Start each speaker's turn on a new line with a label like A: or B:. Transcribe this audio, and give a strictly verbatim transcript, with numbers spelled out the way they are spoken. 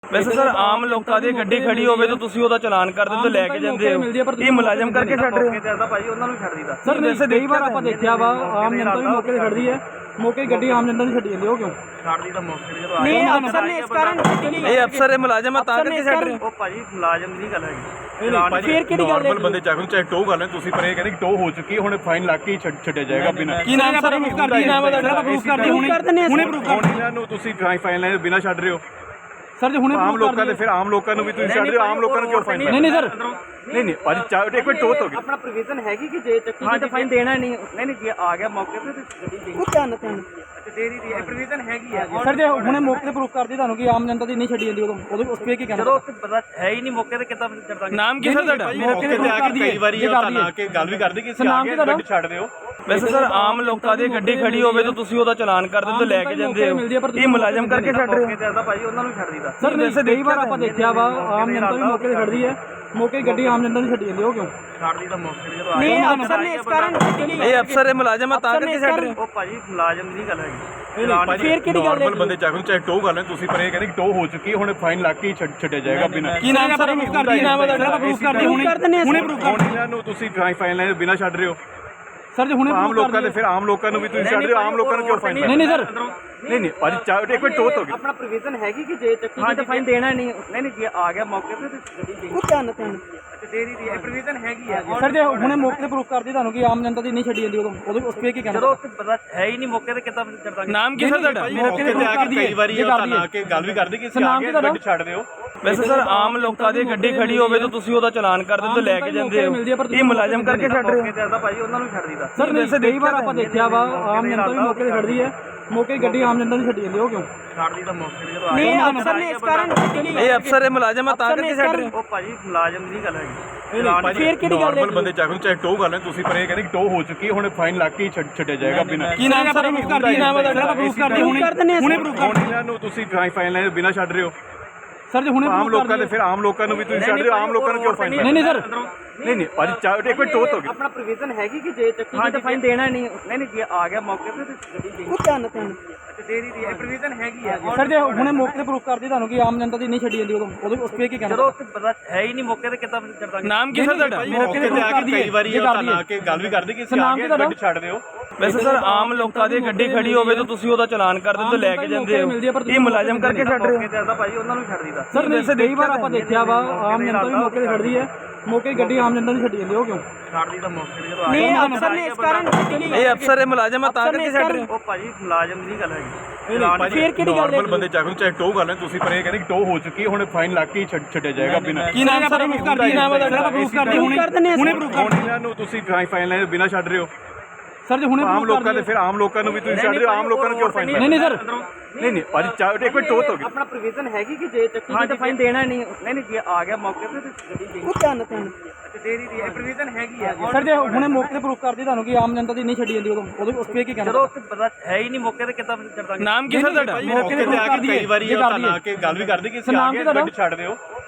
A: ਵੈਸੇ ਸਰ ਆਮ ਲੋਕਾਂ ਦੀ ਗੱਡੀ ਖੜੀ ਹੋਵੇ ਤਾਂ ਤੁਸੀਂ ਉਹਦਾ ਚਲਾਨ ਕਰ ਦਿੰਦੇ ਲੈ ਕੇ ਜਾਂਦੇ ਹੋ, ਇਹ ਮੁਲਾਜ਼ਮ ਕਰਕੇ ਛੱਡ ਰਹੇ ਹੋ ਭਾਈ, ਉਹਨਾਂ ਨੂੰ ਛੱਡ ਦੀਦਾ
B: ਸਰ। ਵੈਸੇ ਕਈ ਵਾਰ ਆਪਾਂ ਦੇਖਿਆ ਵਾ ਆਮ ਜਨਤਾ ਵੀ ਮੌਕੇ ਤੇ ਖੜਦੀ ਹੈ, ਮੌਕੇ ਗੱਡੀ ਆਮ ਜਨਤਾ ਦੀ ਛੱਡੀ ਜਾਂਦੀ, ਉਹ ਕਿਉਂ
A: ਛੱਡ ਦੀਦਾ ਮੌਕੇ ਤੇ? ਜਦੋਂ
B: ਨਹੀਂ ਅਫਸਰ ਨੇ ਇਸ ਕਾਰਨ
A: ਇਹ ਅਫਸਰ ਇਹ ਮੁਲਾਜ਼ਮ ਆ ਤਾਂ ਕਰਕੇ ਛੱਡ ਰਹੇ ਹੋ। ਉਹ ਭਾਜੀ ਮੁਲਾਜ਼ਮ ਦੀ ਗੱਲ ਹੈਗੀ,
B: ਫਿਰ ਕਿਹੜੀ ਗੱਲ ਹੈ?
C: ਬੰਦੇ ਚੱਕ ਨੂੰ ਚਾਹੇ ਟੋ ਕਰ ਲੈਣ ਤੁਸੀਂ, ਪਰ ਇਹ ਕਹਿੰਦੇ ਕਿ ਟੋ ਹੋ ਚੁੱਕੀ ਹੁਣ ਫਾਈਨ ਲੱਗ ਕੇ ਛੱਡਿਆ ਜਾਏਗਾ ਬਿਨਾਂ।
A: ਕੀ ਨਾਮ ਸਰ?
B: ਪ੍ਰੂਫ ਕਰਦੀ ਨਾਮ ਹੈ ਤੁਹਾਡਾ, ਪ੍ਰੂਫ ਕਰਦੀ ਹੁਣੇ ਹੁਣੇ ਪ੍ਰੂਫ ਕਰ
C: ਇਹਨਾਂ ਨੂੰ ਤੁਸੀਂ ਫਾਈਨ ਲਾਈਨ ਬਿਨਾਂ ਛੱਡ ਰਹੇ ਹੋ
B: ਸਰ ਜੀ। ਹੁਣੇ
C: ਆਮ ਲੋਕਾਂ ਦੇ ਫਿਰ ਆਮ ਲੋਕਾਂ ਨੂੰ ਵੀ ਤੁਸੀਂ ਛੱਡ ਰਹੇ ਹੋ, ਆਮ ਲੋਕਾਂ ਨੂੰ ਕਿਉਂ ਫਾਈਨ?
B: ਨਹੀਂ ਨਹੀਂ ਸਰ,
C: ਨਹੀਂ ਨਹੀਂ ਭਾਜੀ ਚਾਹ ਇੱਕ ਮਿੰਟ ਟੋ ਹੋ ਗਈ
A: ਆਪਣਾ ਪ੍ਰੋਵੀਜ਼ਨ ਹੈਗੀ ਕਿ ਜੇ ਚੱਕੀ ਤਾਂ ਫਾਈਨ ਦੇਣਾ ਨਹੀਂ। ਨਹੀਂ ਨਹੀਂ ਜੇ ਆ ਗਿਆ ਮੌਕੇ ਤੇ ਗੱਡੀ ਦੇ
B: ਉਹ ਧਿਆਨ ਧਿਆਨ
A: ਦੇ ਦੀ ਹੈ, ਪ੍ਰੋਵੀਜ਼ਨ ਹੈਗੀ ਹੈ
B: ਸਰ। ਜੇ ਹੁਣੇ ਮੌਕੇ ਤੇ ਪ੍ਰੂਫ ਕਰਦੀ ਤੁਹਾਨੂੰ ਕਿ ਆਮ ਜਨਤਾ ਦੀ ਨਹੀਂ ਛੱਡੀ ਜਾਂਦੀ, ਉਦੋਂ ਉਹਦੇ ਉਸ ਤੇ ਕੀ ਕਹਿਣਾ?
A: ਜਦੋਂ ਉੱਥੇ ਪਤਾ ਹੈ ਹੀ ਨਹੀਂ ਮੌਕੇ ਤੇ ਕਿੱਦਾਂ ਛੱਡ ਦਾਂਗੇ। ਨਾਮ ਕੀ ਸਰ ਤੁਹਾਡਾ?
C: ਮੌਕੇ ਤੇ ਆ ਕੇ ਕਈ ਵਾਰੀ ਉਹ ਤਾਂ ਆ ਕੇ ਗੱਲ ਵੀ ਕਰਦੇ ਕਿ
B: ਨਾਮ ਕੀ ਤੁਹਾਡਾ?
C: ਗੱਡੀ ਛੱਡ ਦਿਓ।
A: ਵੈਸੇ ਸਰ ਆਮ ਲੋਕਾਂ ਦੀ ਗੱਡੀ ਖੜੀ ਹੋਵੇ ਤਾਂ ਤੁਸੀਂ ਉਹਦਾ ਚਲਾਨ ਕਰ ਦਿੰਦੇ ਲੈ ਕੇ ਜਾਂਦੇ ਹੋ, ਇਹ ਮੁਲਾਜ਼ਮ ਕਰਕੇ ਛੱਡ ਰਹੇ ਹੋ ਭਾਈ, ਉਹਨਾਂ ਨੂੰ ਛੱਡ ਦੀਦਾ
B: ਸਰ। ਵੈਸੇ ਕਈ ਵਾਰ ਆਪਾਂ ਦੇਖਿਆ ਵਾ ਆਮ ਜਨਤਾ ਵੀ ਮੌਕੇ ਤੇ ਖੜਦੀ ਹੈ, ਮੌਕੇ ਗੱਡੀ ਆਮ ਜਨਤਾ ਦੀ ਛੱਡੀ ਜਾਂਦੀ, ਉਹ ਕਿਉਂ
A: ਛੱਡ ਦੀਦਾ ਮੌਕੇ ਤੇ? ਜਦੋਂ
B: ਨਹੀਂ ਅਫਸਰ ਨੇ ਇਸ ਕਾਰਨ
A: ਇਹ ਅਫਸਰ ਇਹ ਮੁਲਾਜ਼ਮ ਆ ਤਾਂ ਕਰਕੇ ਛੱਡ ਰਹੇ ਹੋ।
B: ਉਹ
A: ਉਹ ਭਾਜੀ ਮੁਲਾਜ਼ਮ ਦੀ ਗੱਲ ਹੈਗੀ,
B: ਫਿਰ ਕਿਹੜੀ ਗੱਲ ਹੈ?
C: ਬੰਦੇ ਚੱਕ ਨੂੰ ਚਾਹੇ ਟੋ ਕਰ ਲੈਣ ਤੁਸੀਂ, ਪਰ ਇਹ ਕਹਿੰਦੇ ਕਿ ਟੋ ਹੋ ਚੁੱਕੀ ਹੁਣ ਫਾਈਨ ਲੱਗ ਕੇ ਛੱਡਿਆ ਜਾਏਗਾ ਬਿਨਾਂ।
A: ਕੀ ਨਾਮ ਸਰ?
B: ਪ੍ਰੂਫ ਕਰਦੀ ਨਾਮ ਹੈ ਤੁਹਾਡਾ, ਪ੍ਰੂਫ ਕਰਦੀ ਹੁਣੇ ਹੁਣੇ ਪ੍ਰੂਫ ਕਰ
C: ਇਹਨਾਂ ਨੂੰ ਤੁਸੀਂ ਫਾਈਨ ਲਾਈਨ ਬਿਨਾਂ ਛੱਡ ਰਹੇ ਹੋ
B: ਸਰ ਜੀ। ਹੁਣੇ
C: ਆਮ ਲੋਕਾਂ ਦੇ ਫਿਰ ਆਮ ਲੋਕਾਂ ਨੂੰ ਵੀ ਤੁਸੀਂ ਛੱਡ ਰਹੇ ਹੋ, ਆਮ ਲੋਕਾਂ ਨੂੰ ਕਿਉਂ ਫਾਈਨ?
B: ਨਹੀਂ ਨਹੀਂ ਸਰ,
C: ਨਹੀਂ ਨਹੀਂ ਭਾਜੀ ਚਾਹ ਇੱਕ ਮਿੰਟ ਟੋ ਹੋ ਗਈ
A: ਆਪਣਾ ਪ੍ਰੋਵੀਜ਼ਨ ਹੈਗੀ ਕਿ ਜੇ ਚੱਕੀ ਤਾਂ ਫਾਈਨ ਦੇਣਾ ਨਹੀਂ। ਨਹੀਂ ਨਹੀਂ ਜੇ ਆ ਗਿਆ ਮੌਕੇ ਤੇ ਗੱਡੀ ਦੇ
B: ਉਹ ਧਿਆਨ ਧਿਆਨ
A: ਦੇ ਦੀ ਹੈ, ਪ੍ਰੋਵੀਜ਼ਨ ਹੈਗੀ ਹੈ
B: ਸਰ। ਜੇ ਹੁਣੇ ਮੌਕੇ ਤੇ ਪ੍ਰੂਫ ਕਰਦੀ ਤੁਹਾਨੂੰ ਕਿ ਆਮ ਜਨਤਾ ਦੀ ਨਹੀਂ ਛੱਡੀ ਜਾਂਦੀ, ਉਦੋਂ ਉਹਦੇ ਉਸ ਤੇ ਕੀ ਕਹਿਣਾ?
A: ਜਦੋਂ ਉੱਥੇ ਪਤਾ ਹੈ ਹੀ ਨਹੀਂ ਮੌਕੇ ਤੇ ਕਿੱਦਾਂ ਛੱਡ ਦਾਂਗੇ। ਨਾਮ ਕੀ ਸਰ ਤੁਹਾਡਾ?
C: ਮੌਕੇ ਤੇ ਆ ਕੇ ਕਈ ਵਾਰੀ ਉਹ ਤਾਂ ਆ ਕੇ ਗੱਲ ਵੀ ਕਰਦੇ ਕਿ ਅਸੀਂ ਆ ਕੇ ਗੱਡੀ ਛੱਡ ਦਿਓ।
A: ਵੈਸੇ ਸਰ ਆਮ ਲੋਕਾਂ ਦੀ ਗੱਡੀ ਖੜੀ ਹੋਵੇ ਤਾਂ ਤੁਸੀਂ ਉਹਦਾ ਚਲਾਨ ਕਰ ਦਿੰਦੇ ਲੈ ਕੇ ਜਾਂਦੇ ਹੋ, ਇਹ ਮੁਲਾਜ਼ਮ ਕਰਕੇ ਛੱਡ ਰਹੇ ਹੋ ਭਾਈ, ਉਹਨਾਂ ਨੂੰ ਛੱਡ ਦੀਦਾ
B: ਸਰ। ਵੈਸੇ ਕਈ ਵਾਰ ਆਪਾਂ ਦੇਖਿਆ ਵਾ ਆਮ ਜਨਤਾ ਵੀ ਮੌਕੇ ਤੇ ਖੜਦੀ ਹੈ, ਮੌਕੇ ਗੱਡੀ ਆਮ ਜਨਤਾ ਦੀ ਛੱਡੀ ਜਾਂਦੀ, ਉਹ ਕਿਉਂ
A: ਛੱਡ ਦੀਦਾ ਮੌਕੇ ਤੇ? ਜਦੋਂ
B: ਨਹੀਂ ਅਫਸਰ ਨੇ ਇਸ ਕਾਰਨ
A: ਇਹ ਅਫਸਰ ਇਹ ਮੁਲਾਜ਼ਮ ਆ ਤਾਂ ਕਰਕੇ ਛੱਡ ਰਹੇ ਹੋ।
B: ਉਹ
A: ਭਾਜੀ ਮੁਲਾਜ਼ਮ ਦੀ ਗੱਲ ਹੈਗੀ,
B: ਫਿਰ ਕਿਹੜੀ ਗੱਲ ਹੈ?
C: ਬੰਦੇ ਚੱਕ ਨੂੰ ਚਾਹੇ ਟੋ ਕਰ ਲੈਣ ਤੁਸੀਂ, ਪਰ ਇਹ ਕਹਿੰਦੇ ਕਿ ਟੋ ਹੋ ਚੁੱਕੀ ਹੁਣ ਫਾਈਨ ਲੱਗ ਕੇ ਛੱਡਿਆ ਜਾਏਗਾ ਬਿਨਾਂ।
A: ਕੀ ਨਾਮ ਸਰ?
B: ਪ੍ਰੂਫ ਕਰਦੀ ਨਾਮ ਹੈ ਤੁਹਾਡਾ, ਪ੍ਰੂਫ ਕਰਦੀ ਹੁਣੇ ਹੁਣੇ ਪ੍ਰੂਫ ਕਰ
C: ਇਹਨਾਂ ਨੂੰ ਤੁਸੀਂ ਫਾਈਨ ਲਾਈਨ ਬਿਨਾਂ ਛੱਡ ਰਹੇ ਹੋ
B: ਸਰ ਜੀ। ਹੁਣੇ
C: ਆਮ ਲੋਕਾਂ ਦੇ ਫਿਰ ਆਮ ਲੋਕਾਂ ਨੂੰ ਵੀ ਤੁਸੀਂ ਛੱਡ ਰਹੇ ਹੋ, ਆਮ ਲੋਕਾਂ ਨੂੰ ਕਿਉਂ ਫਾਈਨ?
B: ਨਹੀਂ ਨਹੀਂ ਸਰ,
C: ਨਹੀਂ ਨਹੀਂ ਭਾਜੀ ਚਾਹ ਇੱਕ ਮਿੰਟ ਟੋ ਹੋ ਗਈ
A: ਆਪਣਾ ਪ੍ਰੋਵੀਜ਼ਨ ਹੈਗੀ ਕਿ ਜੇ ਚੱਕੀ ਤਾਂ ਫਾਈਨ ਦੇਣਾ ਨਹੀਂ। ਨਹੀਂ ਨਹੀਂ ਜੇ ਆ ਗਿਆ ਮੌਕੇ ਤੇ ਗੱਡੀ ਦੇ
B: ਉਹ ਧਿਆਨ ਧਿਆਨ
A: ਦੇ ਦੀ ਹੈ, ਪ੍ਰੋਵੀਜ਼ਨ ਹੈਗੀ ਹੈ
B: ਸਰ। ਜੇ ਹੁਣੇ ਮੌਕੇ ਤੇ ਪ੍ਰੂਫ ਕਰਦੀ ਤੁਹਾਨੂੰ ਕਿ ਆਮ ਜਨਤਾ ਦੀ ਨਹੀਂ ਛੱਡੀ ਜਾਂਦੀ, ਉਦੋਂ ਉਹਦੇ ਉਸ ਤੇ ਕੀ ਕਹਿਣਾ?
A: ਜਦੋਂ ਉੱਥੇ ਪਤਾ ਹੈ ਹੀ ਨਹੀਂ ਮੌਕੇ ਤੇ ਕਿੱਦਾਂ ਛੱਡ ਦਾਂਗੇ। ਨਾਮ ਕੀ ਸਰ ਤੁਹਾਡਾ?
C: ਮੌਕੇ ਤੇ ਆ ਕੇ ਕਈ ਵਾਰੀ ਉਹ ਤਾਂ ਆ ਕੇ ਗੱਲ ਵੀ ਕਰਦੇ ਕਿ ਅਸੀਂ ਆ ਕੇ ਗੱਡੀ ਛੱਡ ਦਿਓ।
A: ਵੈਸੇ ਸਰ ਆਮ ਲੋਕਾਂ ਦੀ ਗੱਡੀ ਖੜੀ ਹੋਵੇ ਤਾਂ ਤੁਸੀਂ ਉਹਦਾ ਚਲਾਨ ਕਰ ਦਿੰਦੇ ਲੈ ਕੇ ਜਾਂਦੇ ਹੋ, ਇਹ ਮੁਲਾਜ਼ਮ ਕਰਕੇ ਛੱਡ ਰਹੇ ਹੋ ਭਾਈ, ਉਹਨਾਂ ਨੂੰ ਛੱਡ ਦੀਦਾ
B: ਸਰ। ਵੈਸੇ ਕਈ ਵਾਰ ਆਪਾਂ ਦੇਖਿਆ ਵਾ ਆਮ ਜਨਤਾ ਵੀ ਮੌਕੇ ਤੇ ਖੜਦੀ ਹੈ, ਮੌਕੇ ਗੱਡੀ ਆਮ ਜਨਤਾ ਦੀ ਛੱਡੀ ਜਾਂਦੀ, ਉਹ ਕਿਉਂ
A: ਛੱਡ ਦੀਦਾ ਮੌਕੇ ਤੇ? ਜਦੋਂ
B: ਨਹੀਂ ਅਫਸਰ ਨੇ ਇਸ ਕਾਰਨ
A: ਇਹ ਅਫਸਰ ਇਹ ਮੁਲਾਜ਼ਮ ਆ ਤਾਂ ਕਰਕੇ ਛੱਡ ਰਹੇ ਹੋ।
B: ਉਹ
A: ਭਾਜੀ ਮੁਲਾਜ਼ਮ ਦੀ ਗੱਲ ਹੈਗੀ,
B: ਫਿਰ ਕਿਹੜੀ ਗੱਲ ਹੈ?
C: ਬੰਦੇ ਚੱਕ ਨੂੰ ਚਾਹੇ ਟੋ ਕਰ ਲੈਣ ਤੁਸੀਂ, ਪਰ ਇਹ ਕਹਿੰਦੇ ਕਿ ਟੋ ਹੋ ਚੁੱਕੀ ਹੁਣ ਫਾਈਨ ਲੱਗ ਕੇ ਛੱਡਿਆ ਜਾਏਗਾ ਬਿਨਾਂ।
A: ਕੀ ਨਾਮ ਸਰ?
B: ਪ੍ਰੂਫ ਕਰਦੀ ਨਾਮ ਹੈ ਤੁਹਾਡਾ, ਪ੍ਰੂਫ ਕਰਦੀ ਹੁਣੇ ਹੁਣੇ ਪ੍ਰੂਫ ਕਰ
C: ਇਹਨਾਂ ਨੂੰ ਤੁਸੀਂ ਫਾਈਨ ਲਾਈਨ ਬਿਨਾਂ ਛੱਡ ਰਹੇ ਹੋ
B: ਸਰ ਜੀ। ਹੁਣੇ
C: ਆਮ ਲੋਕਾਂ ਦੇ ਫਿਰ ਆਮ ਲੋਕਾਂ ਨੂੰ ਵੀ ਤੁਸੀਂ ਛੱਡ ਰਹੇ ਹੋ, ਆਮ ਲੋਕਾਂ ਨੂੰ ਕਿਉਂ ਫਾਈਨ?
B: ਨਹੀਂ ਨਹੀਂ ਸਰ,
C: ਨਹੀਂ ਨਹੀਂ ਭਾਜੀ ਚਾਹ ਇੱਕ ਮਿੰਟ ਟੋ ਹੋ ਗਈ
A: ਆਪਣਾ ਪ੍ਰੋਵੀਜ਼ਨ ਹੈਗੀ ਕਿ ਜੇ ਚੱਕੀ ਤਾਂ ਫਾਈਨ ਦੇਣਾ ਨਹੀਂ। ਨਹੀਂ ਨਹੀਂ ਜੇ ਆ ਗਿਆ ਮੌਕੇ ਤੇ ਗੱਡੀ ਦੇ
B: ਉਹ ਧਿਆਨ ਧਿਆਨ
A: ਦੇ ਦੀ ਹੈ, ਪ੍ਰੋਵੀਜ਼ਨ ਹੈਗੀ ਹੈ
B: ਸਰ। ਜੇ ਹੁਣੇ ਮੌਕੇ ਤੇ ਪ੍ਰੂਫ ਕਰਦੀ ਤੁਹਾਨੂੰ ਕਿ ਆਮ ਜਨਤਾ ਦੀ ਨਹੀਂ ਛੱਡੀ ਜਾਂਦੀ, ਉਦੋਂ ਉਹਦੇ ਉਸ ਤੇ ਕੀ ਕਹਿਣਾ?
A: ਜਦੋਂ ਉੱਥੇ ਪਤਾ ਹੈ ਹੀ ਨਹੀਂ ਮੌਕੇ ਤੇ ਕਿੱਦਾਂ ਛੱਡ ਦਾਂਗੇ। ਨਾਮ ਕੀ ਸਰ ਤੁਹਾਡਾ?
B: ਮੌਕੇ ਤੇ
C: ਆ ਕੇ ਕਈ ਵਾਰੀ ਉਹ ਤਾਂ ਆ ਕੇ ਗੱਲ ਵੀ ਕਰਦੇ ਕਿ ਅਸੀਂ ਆ ਕੇ ਗੱਡੀ ਛੱਡ ਦਿਓ।